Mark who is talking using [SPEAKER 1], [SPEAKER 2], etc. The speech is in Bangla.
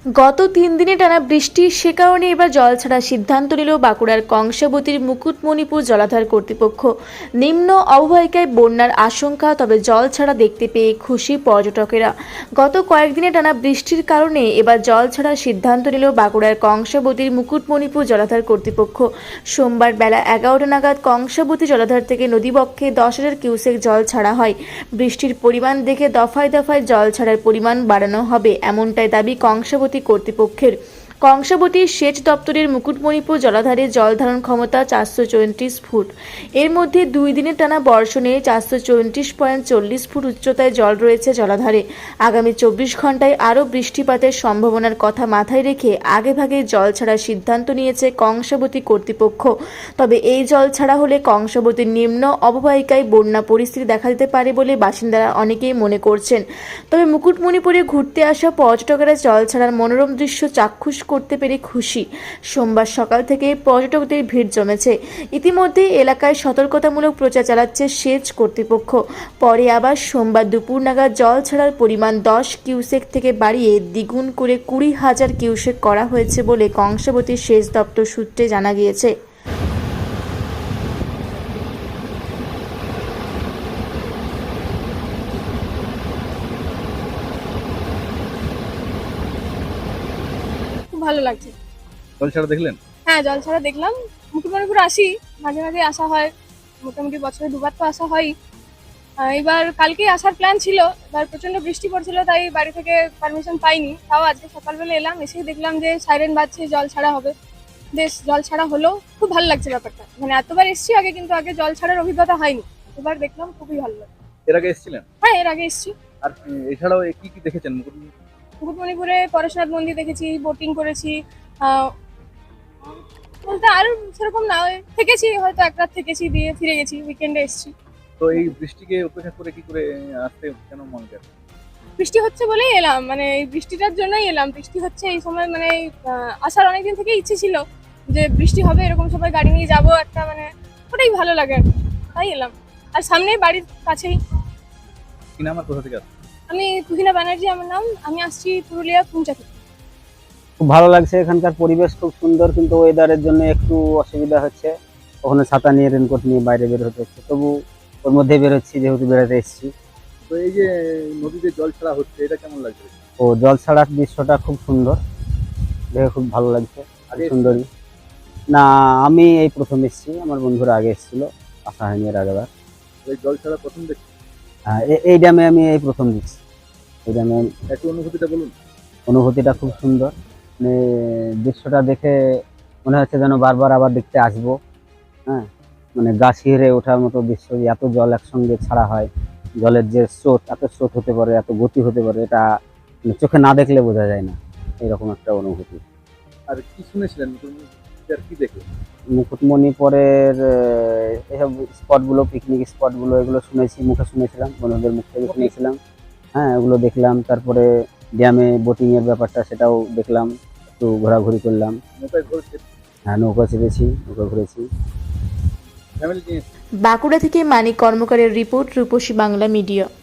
[SPEAKER 1] গত 3 দিনে টানা বৃষ্টি, সে কারণে এবার জল ছাড়ার সিদ্ধান্ত নিল বাঁকুড়ার কংসাবতীর মুকুটমণিপুর জলাধার কর্তৃপক্ষ। নিম্ন অববাহিকায় বন্যার আশঙ্কা, তবে জল ছাড়া দেখতে পেয়ে খুশি পর্যটকেরা। গত কয়েকদিনে টানা বৃষ্টির কারণে এবার জল ছাড়ার সিদ্ধান্ত নিল বাঁকুড়ার কংসাবতীর মুকুটমণিপুর জলাধার কর্তৃপক্ষ। সোমবার বেলা 11টা নাগাদ কংসাবতী জলাধার থেকে নদীবক্ষে 10,000 কিউসেক জল ছাড়া হয়। বৃষ্টির পরিমাণ দেখে দফায় দফায় জল ছাড়ার পরিমাণ বাড়ানো হবে, এমনটাই দাবি কংসাবতী কর্তৃপক্ষের। কংসাবতী সেচ দপ্তরের মুকুটমণিপুর জলাধারে জল ধারণ ক্ষমতা 434 ফুট। এর মধ্যে 2 দিনের টানা বর্ষণে 434.40 ফুট উচ্চতায় জল রয়েছে জলাধারে। আগামী 24 ঘন্টায় আরও বৃষ্টিপাতের সম্ভাবনার কথা মাথায় রেখে আগেভাগে জল ছাড়ার সিদ্ধান্ত নিয়েছে কংসাবতী কর্তৃপক্ষ। তবে এই জল ছাড়া হলে কংসাবতীর নিম্ন অববাহিকায় বন্যা পরিস্থিতি দেখা দিতে পারে বলে বাসিন্দারা অনেকেই মনে করছেন। তবে মুকুটমণিপুরে ঘুরতে আসা পর্যটকেরা জল ছাড়ার মনোরম দৃশ্য চাক্ষুষ করতে পেরে খুশি। সোমবার সকাল থেকে পর্যটকদের ভিড় জমেছে। ইতিমধ্যে এলাকায় সতর্কতামূলক প্রচার চালাচ্ছে সেচ কর্তৃপক্ষ। পরে আবার সোমবার দুপুর নাগাদ জল ছাড়ার পরিমাণ 10 কিউসেক থেকে বাড়িয়ে দ্বিগুণ করে 20,000 কিউসেক করা হয়েছে বলে কংসাবতী সেচ দপ্তর সূত্রে জানা গিয়েছে।
[SPEAKER 2] খুব ভালো লাগছে।
[SPEAKER 3] জল ছাড়া দেখলেন?
[SPEAKER 2] হ্যাঁ, জল ছাড়া দেখলাম। মুকুটমণিপুর আসি, মাঝে মাঝে আসা হয়, মোটামুটি বছরে 2বার তো আসা হয়। এবার কালকেই আসার প্ল্যান ছিল, এবার প্রচন্ড বৃষ্টি পড়ছিল, তাই বাড়ি থেকে পারমিশন পাইনি। তাও আজকে সকালবেলা এলাম, এসেই দেখলাম যে সাইরেন বাজছে, জল ছাড়া হবে। বেশ, জল ছাড়া হলো, খুব ভালো লাগছে ব্যাপারটা। মানে এতবার এসছি আগে, কিন্তু আগে জল ছাড়ার অভিজ্ঞতা হয়নি, এবার দেখলাম খুবই ভালো লাগে।
[SPEAKER 3] এর আগে এসেছিলেন?
[SPEAKER 2] হ্যাঁ, এর আগে এসছি।
[SPEAKER 3] আর এছাড়াও কি কি দেখেছেন?
[SPEAKER 2] মুকুটমণিপুরে পরেশনাথ মন্দির দেখেছি, বোটিং করেছি। আহ, বলতে আর সেরকম না, ওই থেকেছি, হয়তো এক রাত থেকেছি, দিয়ে ফিরে গেছি, উইকেন্ডে এসেছি।
[SPEAKER 3] তো এই বৃষ্টিকে উপেক্ষা করে কি করে আসতে কেন মন গেল?
[SPEAKER 2] বৃষ্টি হচ্ছে বলেই এলাম, মানে এই বৃষ্টিটার জন্যই এলাম। বৃষ্টি হচ্ছে এই সময়, মানে আসার অনেকদিন থেকে ইচ্ছে ছিল যে বৃষ্টি হবে, এরকম সবাই গাড়ি নিয়ে যাবো একটা, মানে ওটাই ভালো লাগে আর কি। তাই এলাম। আর সামনে বাড়ির কাছেই।
[SPEAKER 3] কি নাম আর কোথা থেকে আসছেন?
[SPEAKER 2] আমি তুহিনা ব্যানার্জি আমার নাম। আমি আসছি পুরুলিয়া পুঞ্চা থেকে।
[SPEAKER 4] খুব ভালো লাগছে, এখানকার পরিবেশ খুব সুন্দর, কিন্তু ওয়েদারের জন্য একটু অসুবিধা হচ্ছে। ওখানে ছাতা নিয়ে রেনকোট নিয়ে বাইরে বের হতে হচ্ছে, তবু ওর মধ্যে বেরোচ্ছি যেহেতু বেড়াতে এসেছি।
[SPEAKER 3] তো এই যে নদীতে জল ছাড়া হচ্ছে, এটা কেমন লাগছে?
[SPEAKER 4] ও জল ছাড়ার দৃশ্যটা খুব সুন্দর, দেখে খুব ভালো লাগছে।
[SPEAKER 3] আগে
[SPEAKER 4] সুন্দরী না, আমি এই প্রথম এসেছি, আমার বন্ধুরা আগে এসেছিল, আসা হয়নি এর আগেবার।
[SPEAKER 3] এই জল ছাড়া প্রথম দেখছি।
[SPEAKER 4] এই ড্যামে আমি এই প্রথম দিচ্ছি। এই ড্যামে
[SPEAKER 3] একটু অনুভূতিটা বলুন।
[SPEAKER 4] অনুভূতিটা খুব সুন্দর, মানে দৃশ্যটা দেখে মনে হচ্ছে যেন বারবার আবার দেখতে আসবো। হ্যাঁ, মানে গা শিহরে ওঠার মতো দৃশ্য, যে এত জল একসঙ্গে ছাড়া হয়, জলের যে স্রোত, এত স্রোত হতে পারে, এত গতি হতে পারে, এটা মানে চোখে না দেখলে বোঝা যায় না, এরকম একটা অনুভূতি।
[SPEAKER 3] আর কি শুনেছিলেন আর কি দেখে?
[SPEAKER 4] মুকুটমণিপুরের এসব স্পটগুলো, পিকনিক স্পটগুলো, এগুলো শুনেছি, মুখে শুনেছিলাম, বন্ধুদের মুখ থেকে শুনেছিলাম। হ্যাঁ, ওগুলো দেখলাম। তারপরে ড্যামে বোটিংয়ের ব্যাপারটা, সেটাও দেখলাম, একটু ঘোরাঘুরি করলাম।
[SPEAKER 3] নৌকায় ঘুরছে?
[SPEAKER 4] হ্যাঁ, নৌকা চেপেছি, নৌকা ঘুরেছি।
[SPEAKER 3] ফ্যামিলি নিয়ে?
[SPEAKER 1] বাঁকুড়া থেকে মানিক কর্মকারের রিপোর্ট, রূপসী বাংলা মিডিয়া।